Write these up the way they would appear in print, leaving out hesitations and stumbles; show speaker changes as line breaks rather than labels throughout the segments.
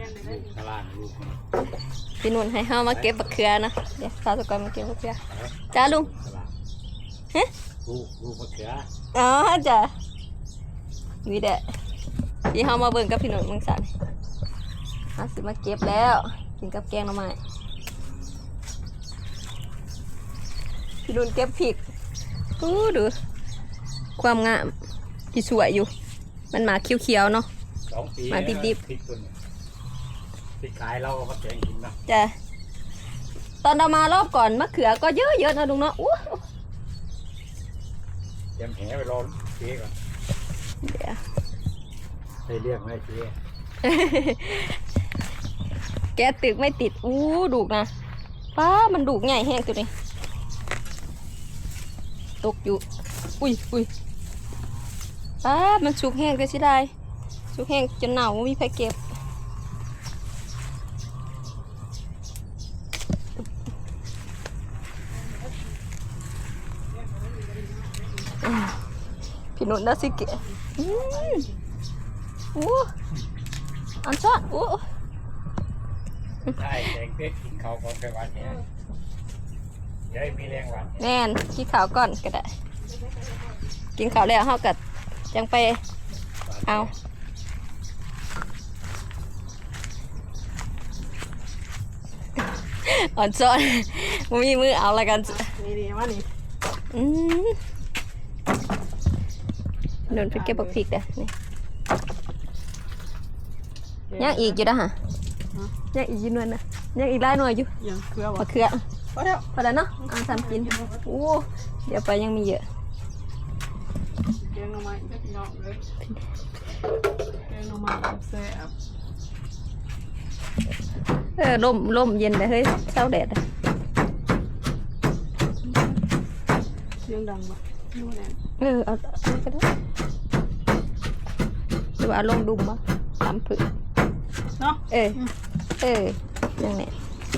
ตลาดลูก
พี่นุ่นให้เฮามาเก็บบักเขือนะเดี๋ยวข้าวตะกอนมาเก็บบักเขือจ้าลุงฮะ
ลูกมะเขือ
อ๋อจ้ะนี่แหละที่เฮามาเบิ่งกับพี่นุ่นมึงสั่นมาสิมาเก็บแล้วกินกับแกงหน่อไม้พี่นุ่นเก็บพริกดูความงามที่สวยอยู่มันหมากเขียวๆเนาะ
2 ปี
มาดิบ
ติดขายเราก็มาแกงกินนะ
จ้ะตอนเรามารอบก่อนมะเขือก็เยอะๆนะลุงเนาะอู้
เตรียมแหไปรอเจ๊ก่อน
เดี๋ยว
ให้เรียกให้เจ๊
แกตึกไม่ติดดุกนะป้ามันดุกใหญ่แห้งตัวนี้ตกอยู่อุ้ยป้ามันสุกแห้งก็สิได้สุกแห้งจนหนาวมีไฟเก็บพี่นุ่นน่าสิเกะอันชอบ
ใช่แกงเป็ดกินเขาก่อนไปวันนี้เดี๋ยวมีแรงวัน
แน่นกินข้าวก่อนก็ได้กินข้าวแล้วเฮากัดจังไปเอาอ่อนซ้อนมีมือเอาละกัน
นี่ว่านี่
นุ่นไปเก็บบักพริกเด้อนี่ยังอีกอยู่นะฮะยังอีกอยู่นวลนะยังอีกหลายหน่วยอยู่
ยังเกลือวะ
มะเขือ
พอแล้ว
เนาะทำกินเดี๋ยวไปยังมีเยอะ
แกงหน่อไม้ก็พี่น้องเลยแกงหน่อไม้แซ่บ
ลมเย็นเลยเฮ้ยเช้าแดด
เสียงดังปะนู่นแหละ
เอาก็ได้หรือว่าลมดุมปะตามผืน
เนาะ
ยังไง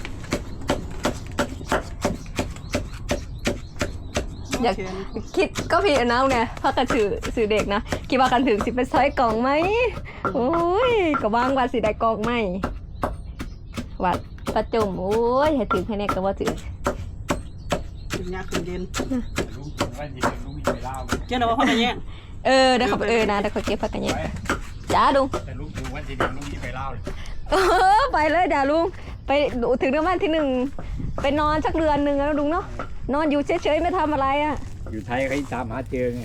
อยากคิดก็พี่น้าไงพากันสื่อเด็กนะคิดว่ากันถึงสิเป็นซอยกล่องไหมโอ้ยก็ว่างว่าสิได้กล่องไหมวัดประจุมโอ้ยให้ถึงแค่นี้ก็ว่าถึง
ถึงยากถึงเย็น
ลุงกินว่าจะเป็นลุงมีไปเล่า
เจ้าหน้าว่าพักกันแย่
ได้ขับนะได้ขับเก็บพักกันแย่จ้าลุง
แต่ลุงดูว่าจะเป็นลุงมีไปเล่า
ไปเลยเดี๋ยวลุงไปถึงเดือนวันที่1ไปนอนสักเดือนหนึ่งแล้วลุงเนาะนอนอยู่เฉยๆไม่ทำอะไรอ่ะ
อยู่ไทยเขาตามหาเจอไง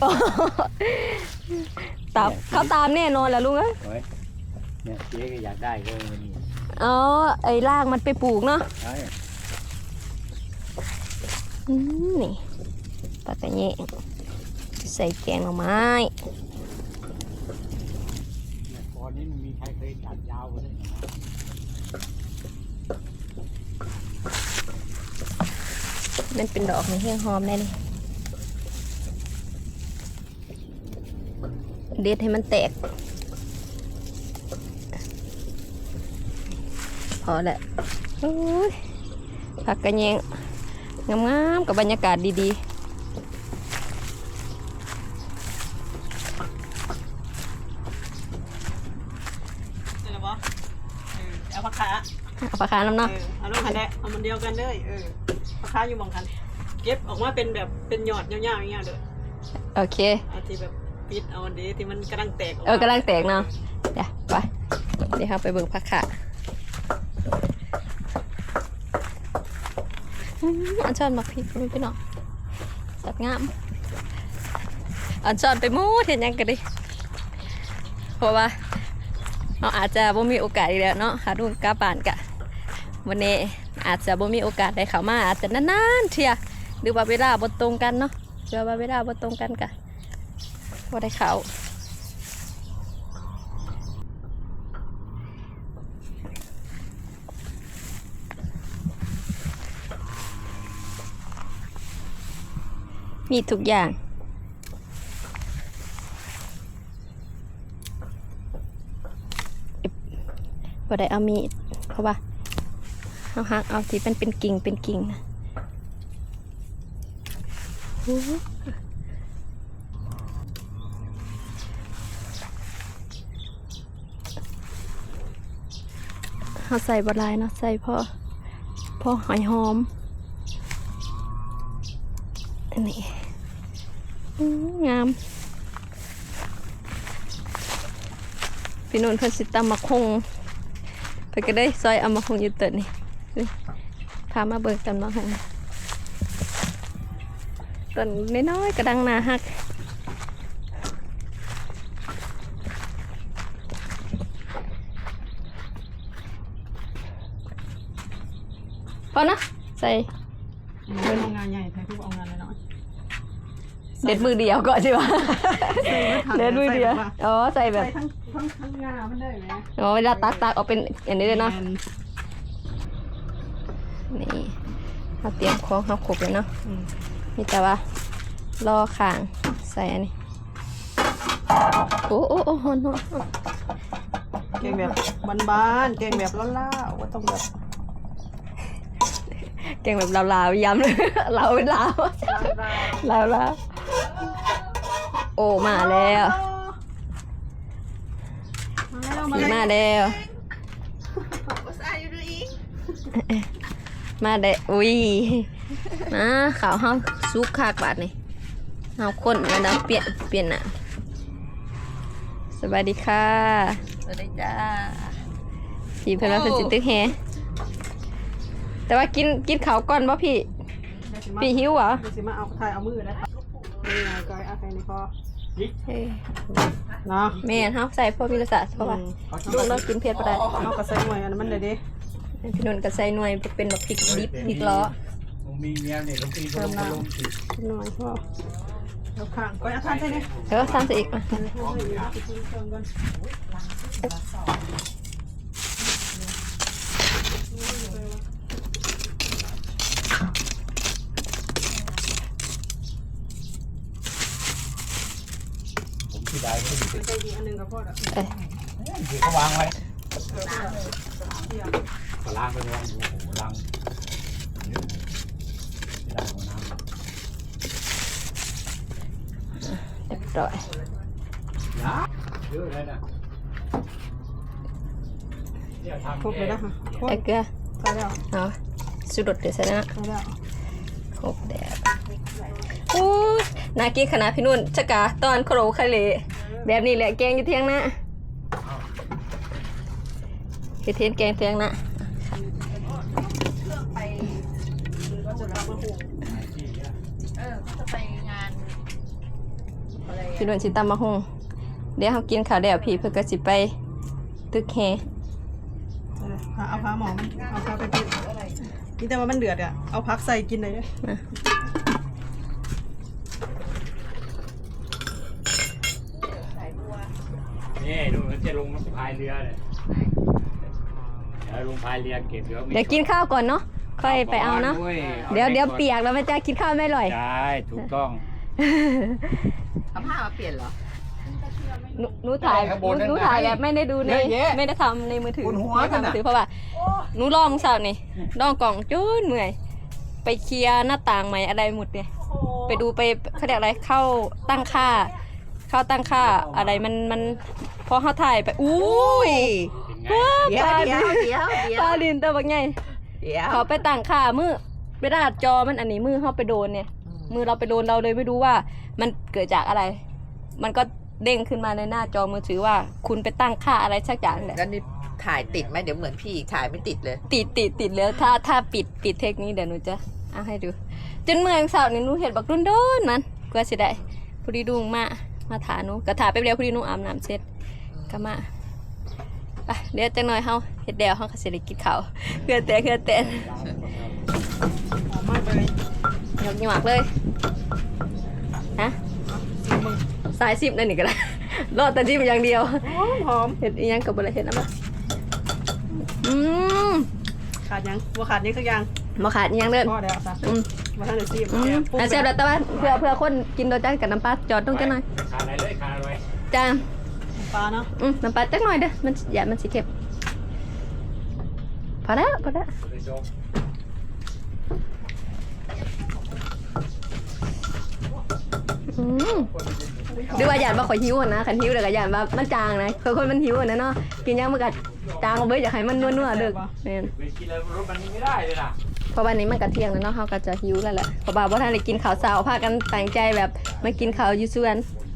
เขาตามแน่นอนแหละลุง
เนี่ยเจ๊ก็อยากได้ก็นี่
ไอ้รากมันไปปลูกเนาะ
ใช่
นี่ปากกระเยงใส่แกงหน่อไม้
ตอนนี้มันมีใครเคยตัดยาวกว่านี้
มันเป็นดอกในเฮียงหอมได้เลยเด็ดให้มันแตกพอแหละผักกระเยงงามๆกับบรรยากาศดีๆ
เอาผักขา
น้ำเนาะ
เอาลูกคันแดะเอามันเดียวกันเลยผักขาอยู่มองกันเก็บออกมาเป็นแบบเป็นหยอดยาวๆอย่างเงี้ยเด้อ
โอเค
เอาที่แบบปิดเอาอันนี้ที่มันกำลังแตก
กำลังแตกเนาะเดี๋ยวครับไปเบิ่งผักขาอันช้อนมาพริกพี่น้องสับงามอันช้อนไปมูดเห็นยังกันดิเพราะว่าเราอาจจะบ่มีโอกาสอีกแล้วเนาะหาดูกาป่านกะวันนี้อาจจะบ่มีโอกาสได้เข้ามาอาจจะนานๆเที่ยหรือว่าเวลาบ่ตรงกันเนาะหรือว่าเวลาบ่ตรงกันกะบ่ได้เข้ามีทุกอย่างบ่ได้เอามีดเพราะว่าเอาหักเอาที่เป็นกิ่งนะเขาใส่บะลายเนาะใส่พอหอยหอมอันนี้งามพี่นุ่นเพิ่นสิตำมะคงเพิ่นก็ได้ซอยเอามะคงอยู่เติดนี่พามาเบิกตำมะคงต้นน้อยๆกระดังหนาฮักพอนะใส่
เป็นงานใหญ่แท้ทุกเอางานน้อย
เด็ดมือเดียวก่อนใช่ปะเด็ดมือเดียวอ๋อใส่แบบ
ใส่ทั้งงามันได้ไหม
อ๋อเวลาตักเอาเป็นอย่างนี้เลยเนาะนี่เราเตรียมของเขาขบเลยเนาะนี่แต่ว่ารอข่างใส่อันนี้โอ้ฮอน
เก่งแบบบ้านๆเก่งแบบล่าๆว่าต้องแบบ
เก่งแบบลาวๆย้ำเลยเราเป็นลาวลาวโอ้มาแล้วมาแล้วมาได้อุ้ยมาขาวเฮาซุกคากบาดนี่เฮาคนแล้วนะเปลี่ยนน่ะสวัสดีค่ะสวัสดีจ้าพี่เพิ่นว่าเพิ่นสิตึกแฮแต่ว่ากินข้าวก่อนบ่พี่หิวเหรอ
เดี๋ยวสิมาเอาถ่ายเอามือนะครับนี่ไงก้อยเอาใส่ในคอเนาะ
แม่นเฮาใส่พวกวิรศาสตร์เพราะว่าลูกเรากินเผ็ดบ่ได้
เอากระใส่หน่วยอันนั้นมันเด็ด
พี่นุ่นก็ใส่หน่วยเป็นแบบพริกดิบพริกล้อ
ผมมีเมียเนี่ยผมตีลงสิ
หน่อยพ่อเอาข้างก้อยเอาข้างใส่เนี่ย
เออทำซะอีกมา
ผมที่ได้ไม่ดี
ใส่อีกอันนึงกับพ่ออ่ะ
ที่เขาวางไว้ล้างไปวางโอ้โหล้างล้างน้ำ
เรียบร้อย
เยอะเลยนะเนี่ยทำ
ครบเลยนะคะครบ
แต่เกลือ
ใส่แล้ว
เนาะสุดเดี๋ยวใส่นะ
ใส่แล้ว
ครบแดดโอ้ยน่ากินขนาดพี่นุ่นชะกาตอนโคโรคาเลแบบนี้แหละแกงอยู่เที่ยงนะคือเทียนแกงเที่ยงนะพี่นุ่นสิตำมะฮงเดี๋ยวเขากินข้าวเดี๋ยวพี่เพื่อก็สิไปตึกแฮ
เอาผ้าหมอมันเอาผ้าไปปิดนี่แต่ว่ามันเดือดอ่ะเอาพักใส่กินเลยเนี่ย
นี่ดูมันจะลงพายเรือเลยเดี๋ยวลงพายเรือเก็บเดี๋ยว
กินข้าวก่อนเนาะค่อยไปเอาเนาะเดี๋ยวเปียกแล้วแม่จะกินข้าวไม่อร่อย
ใช่ถูกต้อง
เอาผ้ามาเปลี่ยนเหรอ
หนูถ่ายแบบไม่ได้ดูในไม่ได้ทำในมือถือไม่ทำมือถือเพราะว่าหนูลองเสาร์นี่ลองกล่องจุ้นเหนื่อยไปเคลียร์หน้าต่างใหม่อะไรหมดเนี่ยไปดูไปเขาเรียกอะไรเข้าตั้งค่าอะไรมันพอเขาถ่ายไปอุ้ย
เดี๋ยว
ปลาลินตัวบางไง
เดี๋ยว
เขาไปตั้งค่ามือเวลาจอมันอันนี้มือเขาไปโดนเนี่ยมือเราไปโดนเราเลยไม่รู้ว่ามันเกิดจากอะไร มันก็เด้งขึ้นมาในหน้าจอมือถือว่าคุณไปตั้งค่าอะไรสักอย่างแหละ
แล้วนี่ถ่ายติดไหมเดี๋ยวเหมือนพี่ถ่ายไม่ติดเลย
ติดแล้วถ้าปิดเทคนี้เดี๋ยวหนูจะเอาให้ดูจนเมื่อเสาร์นี่หนูเห็นบักรุ่นโดนมันก็สิได้พอดีดุงมาถาหนูกระถาไปเร็วพอดีหนูอาบน้ำเสร็จก็มาไปเดี๋ยวจังหน่อยเฮาเฮ็ดเดียวเฮาก็สิได้กินข้าวเพื่อแต่
หอมมากเลย
ยกหยวกเลยฮะสายซิมนั่นนี่ก็ได้รอดแต่จิ้มอย่างเดียว
หอม
เห็ดอีหยังกับบริเห็ดนะมั้ย
ขาดยังว่าขาดยังสักอย่าง
มาขาดอีหยังเดิน
พ่อแล้วซะมาทางเดือดซีม
อาเซฟแล้วแต่ว่าเพื่อคนกินโดยจ้ากับน้ำปลาจอดต้องจังหน่อย
ขาดอะไรเลยขาดอะไร
จ้า
ปลาเนาะ
น้ำปลาจังหน่อยเด้อมันสิเก็บพอแล้ว
เลยจบ
อหรือว่าหยาดว่าข่อยหิวนะคันหิวเดี๋ยวก็หยาดว่ามันจางนะคนมันหิวนะเนาะกินยังมันก็จางเอาไว้อยากให้มันนัวๆเด้อแม่น
ไปกินแล้วรถมันไม่ได้เลยนะ
เพราะวันนี้มันก็เที่ยงแล้วเนาะเขาก็จะหิวแล้วแหละเพราะว่าท่านได้กินข้าวเช้าพากันตั้งใจแบบมากินข้าวอยู่สวน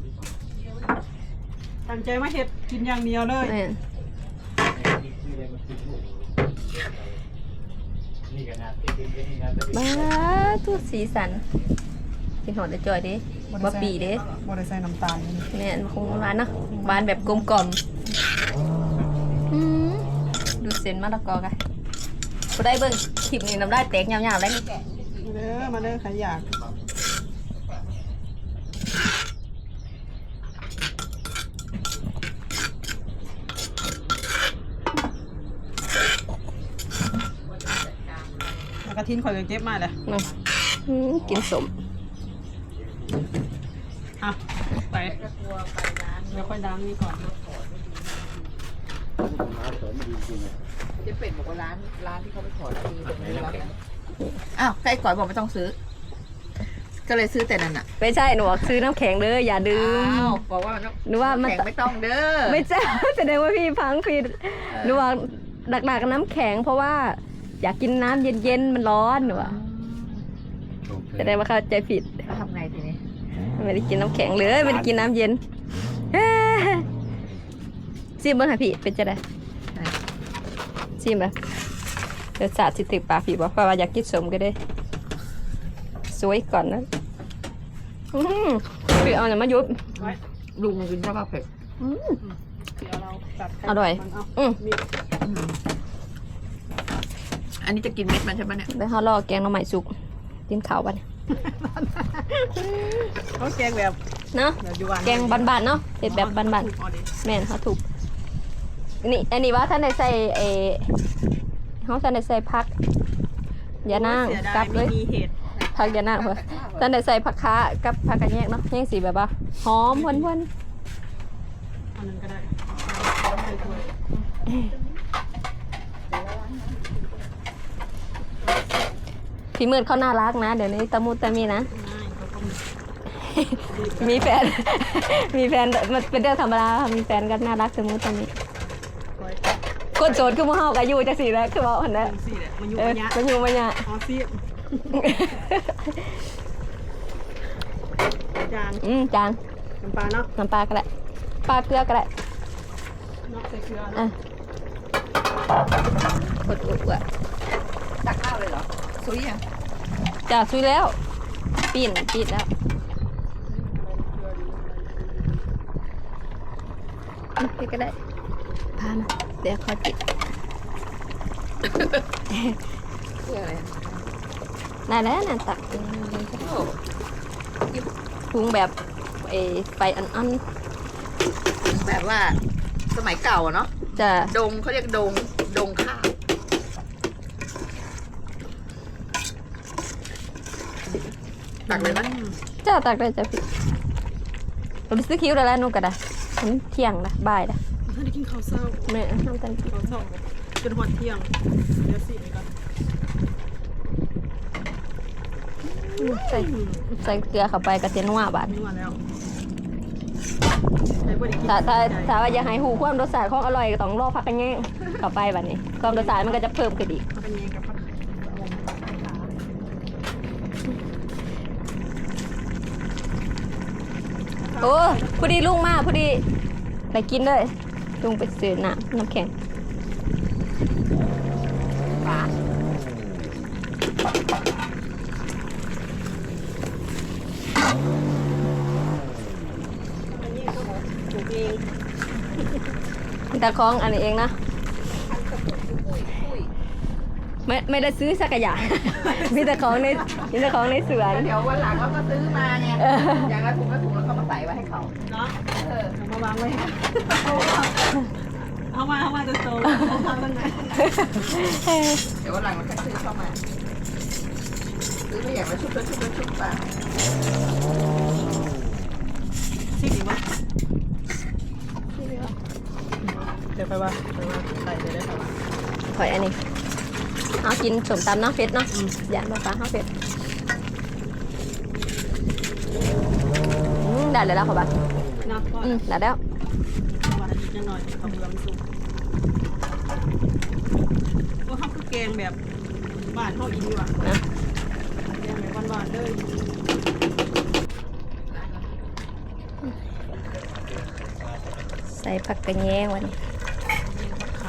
ตั้งใจมาเฮ็ดกินอย่างเดียวเลย
แม่น
นี่กันนะนี่นะ
บ้าทุกสีสันกินหอดได้จ่อยเด้บ่ปีเด้
บ่ได้ใส่น้ำตาลนี่
แม่นคงหวานเนาะหวานแบบกลมกล่อมดูเส้นมะละกอกันบ่ได้เบิ่งคลิปนี้น้ำลายแตกยาวๆแล้วนี่
มาเด้อใครอยากแล้วก็ทิ้งข่อยก็เก็บมาเลย
เนาะกินสม
อ่ะไปเดี๋ยวค่อยล้างนี่ก่อนนะ
เจ๊เป็ดบอกว่าร้านที่เขาไปขอซื้อตรงนี้แล้วนะอ้าวใครก่อนบอกไม่ต้องซื้อ ก็เลยซื้อแต่นั่นอ่ะ
ไม่ใช่หนูบอกซื้อน้ำแข็งเด้ออย่าดื่ม
อ้าวบอกว่า
หนูว่ามัน
แข็งไม่ต้องเด้อ
ไม่ใช่ แสดงว่าพี่พังผิดหนูว่าหลักๆน้ำแข็งเพราะว่าอยากกินน้ำเย็นๆมันร้อนหนูว่าแสดงว่าเข้าใจผิด
แล้วทำไงทีนี้
ไม่ได้กินน้ำแข็งเลยไม่ได้กินน้ำเย็นซิมเบิ้งค่ะพี่เป็นจะได้ซิมเลยเดี๋ยวสาดสิติปากพี่บอกว่าอยากกินสมก็ได้สวยก่อนนะพี่เอาเนี่ยมายุบ
ไว้
ลุงกินข้าวผัดเผ็ด
เดี๋ยวเราตัด
อร่อย
มันเอา
มี
อันนี้จะกินเม็ดมันใช่ไหมเนี่ย
แล้วเขาลอกแกงหน่อไม้สุกกินข้าวบ้าน
เขาแกงแบบ
เนาะ
แบบอยู่บ้าน
แกงบ้านๆเนาะเผ็ดแบบบ้าน
ถูกเอาดิ
ๆแม่นเขาถูกนี่อันนี้ว่าท่านได้ใส่เขาท่านได้ใส่ผักยานั่ง
เสียดาย
กับเลย
ไม่มีเห็ด
ผักยานั่งเหรอท่านได้ใส่ผักค้ากับผักกระแยงเนาะแยงสีแบบว่าหอมหวาน
อันนั้นก็ได้เอาไปถ้วย
ๆพี่มืดเขาน่ารักนะ เดี๋ยวนี้ตะมุตะมีนะ
ง่ายเขาต้อง
มีแฟน มีแฟนมันเป็นเรื่องธรรมดาค่ะมีแฟนก็น่ารักตะมุตะมี
ไว้
คนโสดคือหมู่เฮาก็อยู่จังซี่แหล้วคือว่าหั่นแหละ
สิแหละมันอยู่
เออ
ระยะ
มันอยู่มันยะ
อ๋อสิจาง
จาง
น้ำปลาเนาะ
น้ำปลาก็ได้ปลาเกลือก็ได้
เนาะใส่เกลือ
อ่ะ
เนาะ
กดอุบอ่ะ
ตักข้าวเลยเหรอซุยยัง
จ้าซุยแล้วปีนแล้วพี่ก็ได้พามาเดี๋ยวขอจิบ
เพื่ออะไร
ได้แล้วน่ะตัก
โอ้
ปรุงแบบไฟอ่อน
แบบว่าสมัยเก่าอะเนาะ
ๆจะ
ดงเขาเรียกดงข้าวตักเลยนะ
จ้าตักได้จ้ะพี่เราไปซื้อคิ้วได้แล้วนู่นก็ได้มันเที่ยงนะบ่ายนะ
ท่านได้กินข้าวเช้า
แม่ทำตัน
ข้าวเช้าจนหอดเที่ยงเดี๋ยวสิไปก่อน
ใส่เกลือเข้าไปกระเทียมนัวบาด
นัวแล้วใช้บริกิน
ถ้าว่าอยากให้หูความรสชาติของอร่อยก็ต้องรอพักกันแย่งเข้าไปบัดนี้ความรสชาติมันก็จะเพิ่มขึ้นอีก
เป็นยังกับผัก
โอ้พอดีลุงมาพอดีไปกินเลยลุงไปซื้อน้ำแข็ง
ปลา
อันนี้ก็บอกปลูกเอง
แต่ของอันนี้เองนะไม่ได้ซื้อสักอย่าง มีแต่ของในสวน
เดี๋ยววันหลังเราก็ซื้อมาไงอย่างละถุงแล้วก็มาใส่ไว้ให้เขา
เนาะ
เออ
เอามาวางไว้เอามาจะโตเอามาตั้งไหน
เดี๋ยววันหลังเราค่อยซื้อเข้ามาซื้อไปอย่างละชุบไป
สิดีวะเดี๋ยวไปว่าใส่เลยได้ไหม
ข่อยอันนี้เอากินสมตำเนาะเผ็ดเนาะอย่ามาฟ้าเอาเผ็ดได้เลยแล้วค่ะบ้า
นับก่อน
ได้แล้ว
ว่าอีกหน่อยเขาเบื่อมันสุกว่าเขาคือแกงแบบบ้านเขาอีกดีกว่า
นะ
แกงแบบบ้านๆเลย
ใส่ผักกระแยงวันนี้
ขา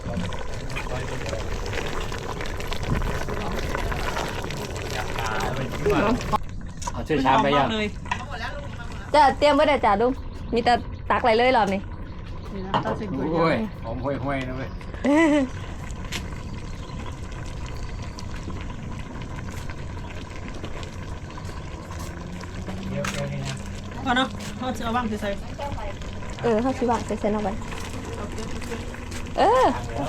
เอาช่วยชามไปยัง
เลย
จะเตรียมไว้ได้จ้าลุงมีแต่ตักอะไรเลยรอบนี้
นี่นะตั้งเส้นก๋วย
โอ้ย
เตี๋ยว
หอมห่วยๆนะเว้ย
พอเนาะเขาจะเอาว่างใส่
เขาชิวางใส่เส้นเอาไว้เออ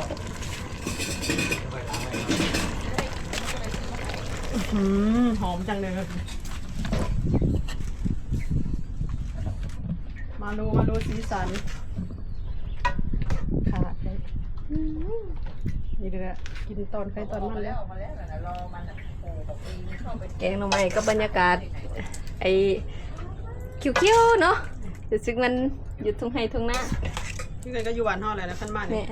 หอมจังเลยมาดูสีสันค่ะนี่เด้อกินตอนใครตอนมันแล้ว
รอมันเข้าไป
แกงหน่อไม้ก็บรรยากาศไอ้คิวๆเนาะรู้สึกมันอยู่ทุ่งไร่ทุ่งนา
ที่เคยก็อยู่บ้านห่ออะไรนะขั้นบ้าน
แม่
เนี่ย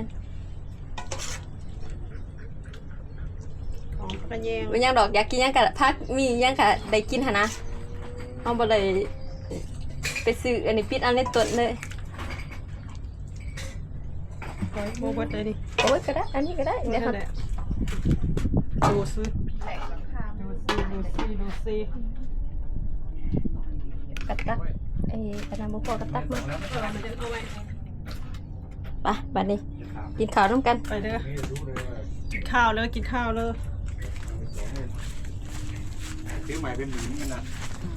ของกระแยง
มันยังดอกอยากกินยังกะพักมียังกะได้กินหะนะเอาบ่เลยไปซื้ออันนี้ปิดอันในต้นเลย
โบเบิร์ตเลยดิ
โอ้ยก็ได้อันนี้ก็ได้เดี๋ยวเขา
ดูซิ
แหลกหลังคา
ดูซิ
กระตักไอ้กระนำบุพอกระตักมา
มันจะเอาไว้
ไปบัดนี้กินข้าวร่วมกัน
ไปเด้อกินข้าวเลยกินข้าวเลย
ซื้อใหม่เป็นหมื่นกันนะ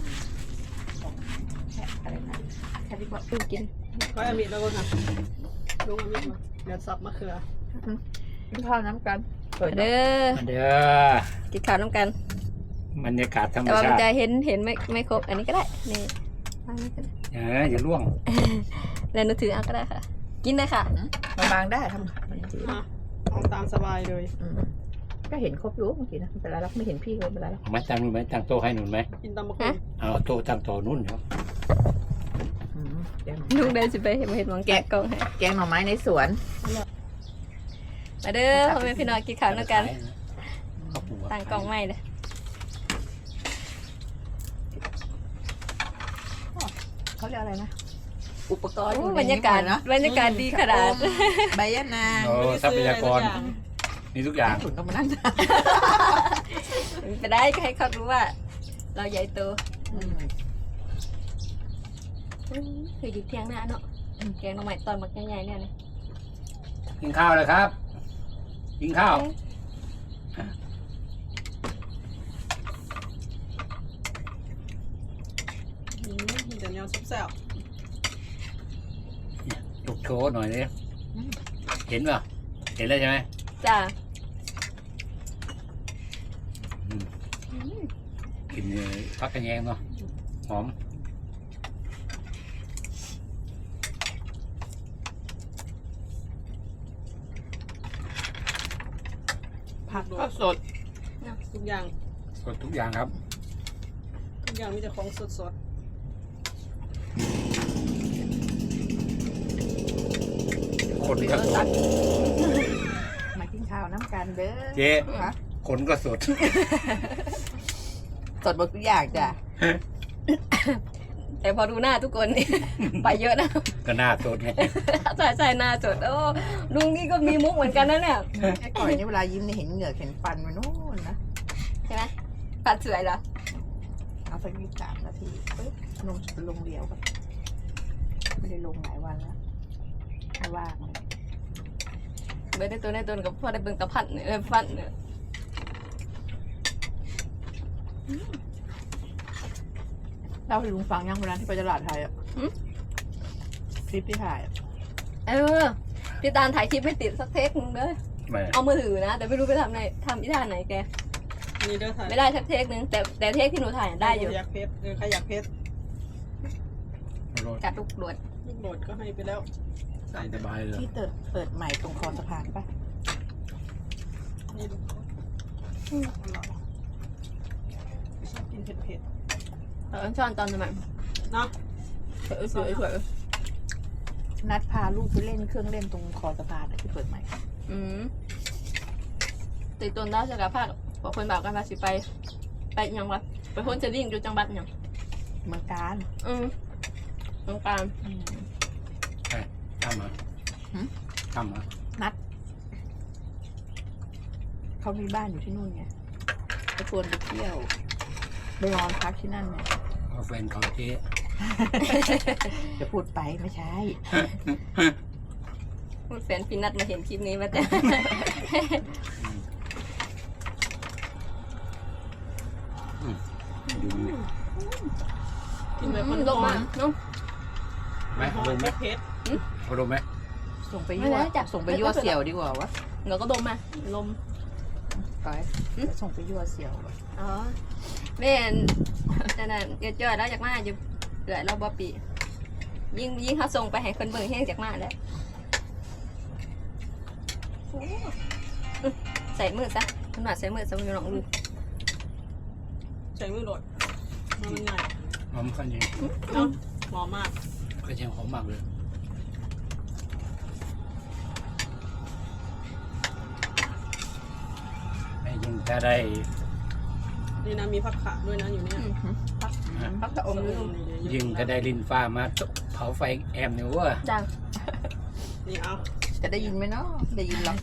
อะไรนะแค่ที่บอก
กิน
ก็อามิดแล้วก็ค่ะลุงอามิดมาเดี๋ยวสับมะเขือ
กินข้าวน้ำกันเปิด
เด้อ
มาเด้อ
กินข้าวร่วมกัน
บรรยากาศธรรม
แต่ว่ามัน
ชาติ
จะเห็นไม่ครบอันนี้ก็ได้นี่อันนี้ก็ได้
อย่าล่วง
แล้วหนูถือเอาก็ได้ค่ะ กินเลยค่ะ
มาบางได้ทำมันจี
เอาตามสบายเลย
ก็เห็นครบอยู่เมื่อกี้นะไม่เป็นไรแล้วไม่เห็นพี่ก็ไม่เป็นไรแล้ว
เอามาตั้งนู่นไหมตั้งโต๊ะให้หนุนไหม
กินตามมะเขือ
เอาโต๊ะตั้งโต๊ะนู่นเนาะ
ลุงเดินสิไปเห็นหมองแกะกล่องให้
แกงหน่อไม้ในสวน
มาเด้อพ่อแม่พี่น้องกินข้าวด้วยกัน
ข้าวปู
ต่างกล่องใหม่เลย
เขาเรียกอะไรนะ อุปกรณ์
โอ้บรรยากาศบรรยากาศดีขนาด
ใบยะนาง
โอ้ทรัพยากรมีทุกอย่าง
ถุนต้องมานั่ง
ไปได้ก็ให้เขารู้ว่า เราใหญ่โตเคยอยู่เที่ยงหน้าเนาะแกงหน่อไม้ตอนมักใหญ่ๆเนี่ยนะ
กินข้าวเลยครับ กินข้าว
เดี๋ยวแนวซุปแซว
ลุกโชว์หน่อยดิเห็นป่ะเห็นแล้วใช่ไหม
จ้า
กินพักกระแยงเนาะหอม
ผัก
ก็สด
ทุกอย่าง
สดทุกอย่างครับ
ทุกอย่างมีแต่ของสด
คนก็สด
มากินข้าวน้ำกันเด้อ
เจ๊คนก็สด
สดหมดทุกอย่างจ้ะ
แต่พอดูหน้าทุกคนนี่ ไปเยอะนะ
ก็น่าสดไง
ใช่หน้าสดโอ้ลุงนี่ก็มีมุกเหมือนกันนะเนี่ย
ไอ้ก่อยนี่เวลายิ้มเนี่ยเห็นเหงือกเห็นฟันมันโน่นนะ
ใช่ไหมปัดสวยเหรอ
เอาสัก23 นาทีปึ๊บลงเดียวกันไม่ได้ลงหลายวันแล้วไม่ว่าง
เบิร์ได้ตัวกับพ่อได้เบิ่งตะพัดเนี่ยฟันเนี่ย
เล่าให้ลุงฟังยังวันนั้นที่ไปตลาดไทยอ่ะคลิปที่ถ่ายอะ
พี่ตาลถ่ายคลิปไม่ติดสักเทคนึงเลย
ไม่
เอามือถือนะ แต่ไม่รู้ไปทำอีท่าไหนแก
ๆนี่เด้อถ่าย
ไม่ได้สักเทคนึงแต่เทคที่หนูถ่ายได้อยู่
อยากเพชรใครอยากเพชร
กัดลูกโดด
ลูกโดดก็ให้ไปแล้ว
ใส่สบายเลย
ที่เปิดใหม่ตรงคอสะพานปะ
นี่ดูชอบกินเผ็ด
ช้อนตอนสมัย
ๆเนาะ
สวยสวย
นัดพาลูกไปเล่นเครื่องเล่นตรงคอสะพานที่เปิดใหม่
ติดต้นดาวจากภาคบอกคนบอกกันว่าสิไปยังวะไปพ้นจะดิ่งอยู่จังหวัดยัง
เมืองการ
ตรงกลาง
ทำเหรอทำเหรอ
นัดเขามีบ้านอยู่ที่นู่นไงไปชวนไปเที่ยวไปนอนพักที่นั่นไง
เอาแฟนเขาเจ๊
จะพูดไปไม่ใช่
แฟนพี่นัดมาเห็นคลิปนี้มาแต่
ดูนี่
กินแบบมัน
ลงมาเนาะ
ไหมเอาลงไหม
เผ็ด
เอาลงไหม
ส่งไปยั่วส่งไปยั่วเสี่ยวดีกว่าวะ
เราก็ดมมาลม
ไปส่งไปยั่วเสี่ยววะ
อ๋อแม่นนั่นน่ะเกิดจ่อยแล้วจากมาอยู่เกิดเราบ่ปียิ่งเขาส่งไปให้คนเบิ่งแห้งจากมาแล้วใส่มือซะคุณหน่อยใส่มือซะอยู่หนองลูก
ใช้มือโหลดมันง่าย
หอมขันยัง
หอมมาก
กระเทียมหอมมากเลยไอ้ยิ่งถ้าได้
นี่นะมีผักขาด้วยนะอยู่เนี่ย
พักกระอมลูก
ยิ่งถ้าได้ลินฟ้ามาเผาไฟแอมเนี่ยว่า
จัง
นี่เอา
จะได้ยินไหมเนาะได้ยินหรอก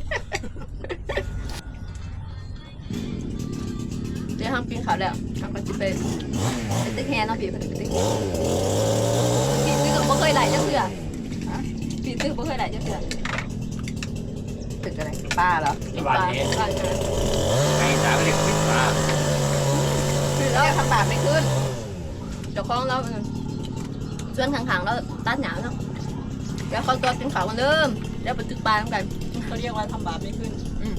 เดี๋ยวทำกินข้าวแล้วทำกันจิไปตึกแฮนเนาะพี่เป็นตึกแฮนพี่ตึกบ่เคยไหลจังเถื่อพี่ตึกบ่เคยไหลจังเถื่อ
ตึกอะไรป้าเหรอ
ที่บ้านนี้
บ้านเธอ
ไอ้สาวเรียกลินฟ้า
คือ
แล้
แล้ว
วทำบาปไม่ขึ้น
เจ้าของเราส่วนข้างๆเราตัดหนาวเนาะแล้วเขาตัวกินข้าวกันเดิมแล้วไปตึกปลาเหมือนกัน
เขาเรียกว่าทำบาปไม่ขึ้น
อืม